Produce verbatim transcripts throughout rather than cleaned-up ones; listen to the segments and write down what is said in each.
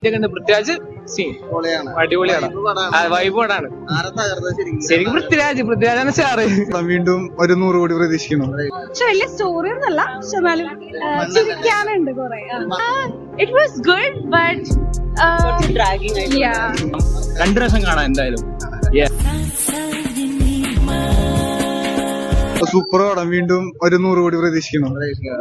Prithviraj scene അടിപൊളിയാണ്, vibe പടാണ്. ശരിക്കും പൃഥ്വിരാജ് പൃഥ്വിരാജാണ് സ്റ്റാറ്. വീണ്ടും ഒരു നൂറ് കോടി പ്രതീക്ഷിക്കണം. പക്ഷെ വലിയ സ്റ്റോറി ഒന്നല്ല, പക്ഷെ എന്നാലും ചിരിക്കാനുണ്ട് കുറെ. ഇറ്റ് വാസ് ഗുഡ് ബട്ട് രണ്ടു പ്രാവശ്യം കാണാം എന്തായാലും. സൂപ്പർ പടം, വീണ്ടും ഒരു നൂറ് കോടി പ്രതീക്ഷിക്കണം.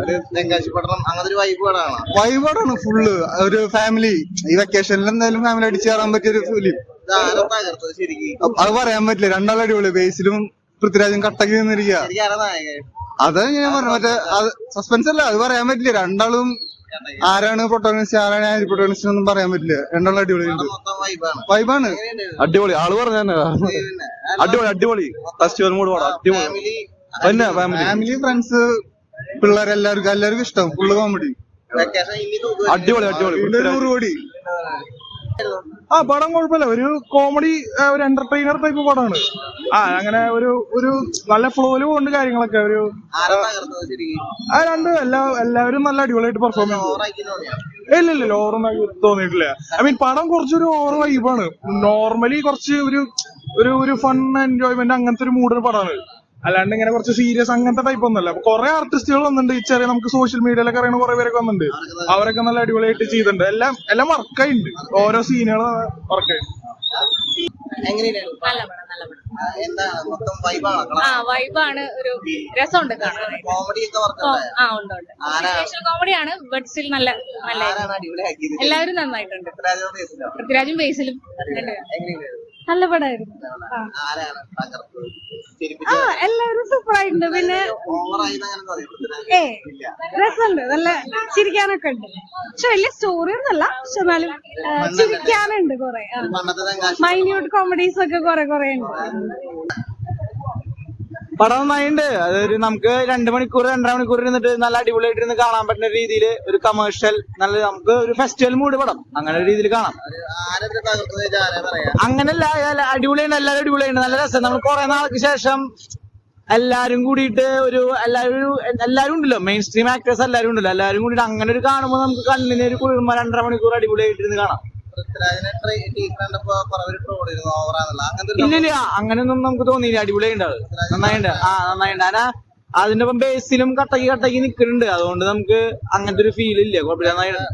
വൈബാണ് ഫുള്ള്. ഒരു ഫാമിലി ഈ വെക്കേഷനിൽ എന്തായാലും ഫാമിലി അടിച്ചു കയറാൻ പറ്റിയ ഒരു ഫിലിം. അത് പറയാൻ പറ്റില്ല, രണ്ടാളും അടിപൊളി. ബേസിലും പൃഥ്വിരാജും കട്ടക്ക് നിന്നിരിക്കുക. അത് ഞാൻ പറഞ്ഞു, മറ്റേ സസ്പെൻസ് അല്ല, അത് പറയാൻ പറ്റില്ല. രണ്ടാളും ആരാണ് പ്രൊട്ടോണിസ്റ്റ് ആരാണ് ആന്റി പ്രൊട്ടോണിസ്റ്റ് ഒന്നും പറയാൻ പറ്റില്ല. രണ്ടാളും അടിപൊളിയുണ്ട്, വൈബാണ്. അടിപൊളി ആള് പറഞ്ഞ അടിപൊളി അടിപൊളി ഫെസ്റ്റിവൽ മൂഡ് പടം. അടിപൊളി ഫാമിലി ഫ്രണ്ട്സ് പിള്ളേരെല്ലാവർക്കും എല്ലാവർക്കും ഇഷ്ടം. ഫുള്ള് കോമഡി, അടിപൊളി അടിപൊളി. നൂറ് കോടി. ആ പടം കുഴപ്പമില്ല, ഒരു കോമഡി ഒരു എന്റർടൈനർ ടൈപ്പ് പടമാണ്. ആ അങ്ങനെ ഒരു ഒരു നല്ല ഫ്ലോയില് പോകുന്നുണ്ട് കാര്യങ്ങളൊക്കെ. ഒരു ആ രണ്ട് എല്ലാ എല്ലാവരും നല്ല അടിപൊളിയായിട്ട് പെർഫോം ചെയ്തു. ഇല്ല ഇല്ല ഓവറൊന്നും തോന്നിയിട്ടില്ല. ഐ മീൻ പടം കുറച്ചൊരു ഓവർ വൈബാണ്. നോർമലി കുറച്ച് ഒരു ഒരു ഒരു ഫൺ എൻജോയ്മെന്റ് അങ്ങനത്തെ ഒരു മൂഡിന് പടമാണ്. അല്ലാണ്ട് ഇങ്ങനെ കുറച്ച് സീരിയസ് അങ്ങനത്തെ ടൈപ്പ് ഒന്നല്ല. കുറെ ആർട്ടിസ്റ്റുകൾ വന്നിട്ടുണ്ട്. ഈ ചെറിയ നമുക്ക് സോഷ്യൽ മീഡിയയിലൊക്കെ അറിയുന്ന കുറെ പേരൊക്കെ വന്നിട്ടുണ്ട്. അവരൊക്കെ നല്ല അടിപൊളിയായിട്ട് ചെയ്തിട്ടുണ്ട്. എല്ലാം എല്ലാം വർക്കായിട്ടുണ്ട്. ഓരോ സീനുകൾ വർക്കായിട്ടുണ്ട്. വൈബാണ്, ഒരു രസമുണ്ട് കാണാൻ. കോമഡിയാണ്, ബട്ട് സ്റ്റിൽ നല്ല നല്ല എല്ലാവരും നന്നായിട്ടുണ്ട്. പൃഥ്വിരാജും ബേസിലും നല്ല പടമായിരുന്നു. ആ എല്ലാവരും സൂപ്പർ ആയിട്ടുണ്ട്. പിന്നെ ഏ രസമുണ്ട്, നല്ല ചിരിക്കാനൊക്കെ ഉണ്ട്. പക്ഷെ വലിയ സ്റ്റോറി ഒന്നല്ല, പക്ഷെ എന്നാലും ചിരിക്കാനുണ്ട് കുറെ. മൈന്യൂട്ട് കോമഡീസ് ഒക്കെ കുറെ കുറെ ഉണ്ട്. പടം നന്നായിട്ടുണ്ട്. അതൊരു നമുക്ക് രണ്ട് മണിക്കൂർ രണ്ടര മണിക്കൂർ ഇരുന്നിട്ട് നല്ല അടിപൊളിയായിട്ട് ഇരുന്ന് കാണാൻ പറ്റുന്ന രീതിയിൽ ഒരു കമേഴ്ഷ്യൽ നല്ല നമുക്ക് ഒരു ഫെസ്റ്റിവൽ മൂഡ് പടം അങ്ങനെ ഒരു രീതിയിൽ കാണാം. അങ്ങനെയല്ല, അടിപൊളിയുണ്ട്, എല്ലാവരും അടിപൊളിയുണ്ട്, നല്ല രസം. നമ്മൾ കുറെ നാൾക്ക് ശേഷം എല്ലാരും കൂടിയിട്ട് ഒരു എല്ലാവരും എല്ലാവരും ഉണ്ടല്ലോ, മെയിൻ സ്ട്രീം ആക്ടേഴ്സ് എല്ലാവരും ഉണ്ടല്ലോ, എല്ലാവരും കൂടിയിട്ട് അങ്ങനെ ഒരു കാണുമ്പോൾ നമുക്ക് കണ്ണിന് ഒരു കുളിർമ രണ്ടര മണിക്കൂർ അടിപൊളിയായിട്ട് ഇരുന്ന് കാണാം. ഇല്ലില്ല അങ്ങനെയൊന്നും നമുക്ക് തോന്നിയില്ല. അടിപൊളിയുണ്ട്, അത് നന്നായിട്ടുണ്ട്. ആ നന്നായിട്ടുണ്ട്. അനാ അതിന്റെ ഒപ്പം ബേസിലും കട്ടക്ക് കട്ടക്ക് നിൽക്കുന്നുണ്ട്. അതുകൊണ്ട് നമുക്ക് അങ്ങനത്തെ ഒരു ഫീൽ ഇല്ല. കുഴപ്പമില്ല,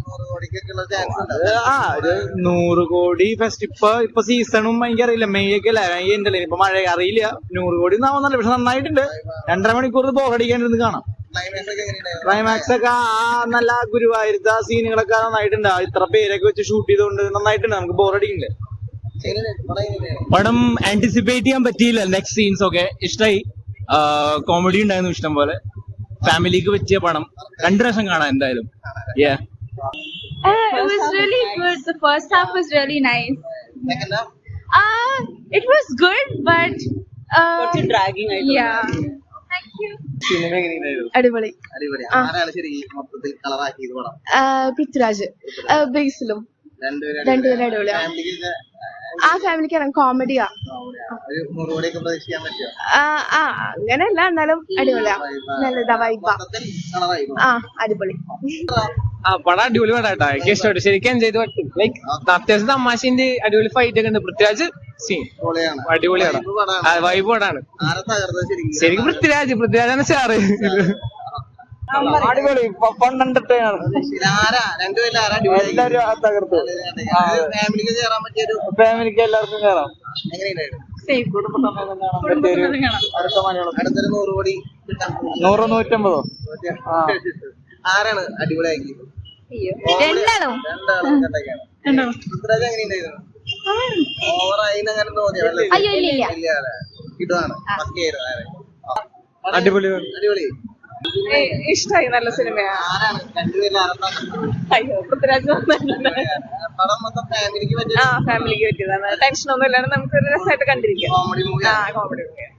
ആ ഒരു നൂറ് കോടി ഫെസ്റ്റ് ഇപ്പൊ ഇപ്പൊ സീസണും എനിക്കറിയില്ല, മെയ് ഒക്കെ അല്ല, മെയ് ഉണ്ടല്ലേ ഇപ്പൊ മഴ അറിയില്ല. നൂറ് കോടി എന്നാവുന്നല്ല, പക്ഷെ നന്നായിട്ടുണ്ട്. രണ്ടര മണിക്കൂർ ബോറടിക്കാണ്ടിരുന്ന് കാണാം. ക്ലൈമാക്സ് ഒക്കെ ആ നല്ല ഗുരുവായൂരത്തെ ആ സീനുകളൊക്കെ നന്നായിട്ടുണ്ട്. ഇത്ര പേരൊക്കെ വെച്ച് ഷൂട്ട് ചെയ്തുകൊണ്ട് നന്നായിട്ടുണ്ട്. നമുക്ക് ബോറടിക്കില്ല. പടം ആന്റിസിപ്പേറ്റ് ചെയ്യാൻ പറ്റിയില്ല. നെക്സ്റ്റ് സീൻസ് ഒക്കെ ഇഷ്ടമായി. കോമഡി ഉണ്ടായിരുന്നു ഇഷ്ടം പോലെ. ഫാമിലിക്ക് പറ്റിയ പടം, രണ്ടു പ്രാവശ്യം കാണാം എന്തായാലും. Yeah. Uh, it was really good. The first half was really nice. Uh, it was good, but uh, what's it dragging? I don't yeah. know. Thank you. അടിപൊളി. പൃഥ്വിരാജ് ബേസിലും രണ്ടുപേരും അടിപൊളിയാണ്. ആ ഫാമിലിക്ക് കോമഡിയാ. ആ അങ്ങനെയല്ല, എന്നാലും അടിപൊളിയാ, നല്ലതാ, വൈബാ. ആ അടിപൊളി. ആ പടം അടിപൊളി പടാട്ടാ, എനിക്ക് ഇഷ്ടപ്പെട്ടു. ശരിക്കും എൻജോയ് ചെയ്ത് പറ്റും. ലൈക്ക് അത്യാവശ്യം തമാശന്റെ അടിപൊളി ഫൈറ്റ് ഒക്കെ ഉണ്ട്. പൃഥ്വിരാജ് സീൻ അടിപൊളിയാണ്, വൈബ് പടാണ്. ശരിക്കും പൃഥ്വിരാജ് പൃഥ്വിരാജാണ് സ്റ്റാറ്. അടിപൊളി ഫൺ എന്റർടൈനർ. എല്ലാവരും തകർത്തു. ഫാമിലിക്ക് എല്ലാവർക്കും കയറാം. നൂറ് നൂറ്റമ്പതോ ആരാണ് അടിപൊളിയാക്കി? രണ്ടാണോ? അയ്യോ ഇല്ല ഇല്ല, ഇതാണ് അടിപൊളി അടിപൊളി. ഇഷ്ടമായി, നല്ല സിനിമയാണ്. ആരാണ് രണ്ടുപേരും? അയ്യോ പൃഥ്വിരാജ് പടം മൊത്തം ഫാമിലിക്ക് പറ്റിയ ആ ഫാമിലിക്ക് പറ്റിയതാണ്. ടെൻഷൻ ഒന്നും ഇല്ലാണ്ട് നമുക്ക് ഒരു രസമായിട്ട് കണ്ടിരിക്കാം. Comedy movie. ആ കോമഡി മൂവിയാണ്.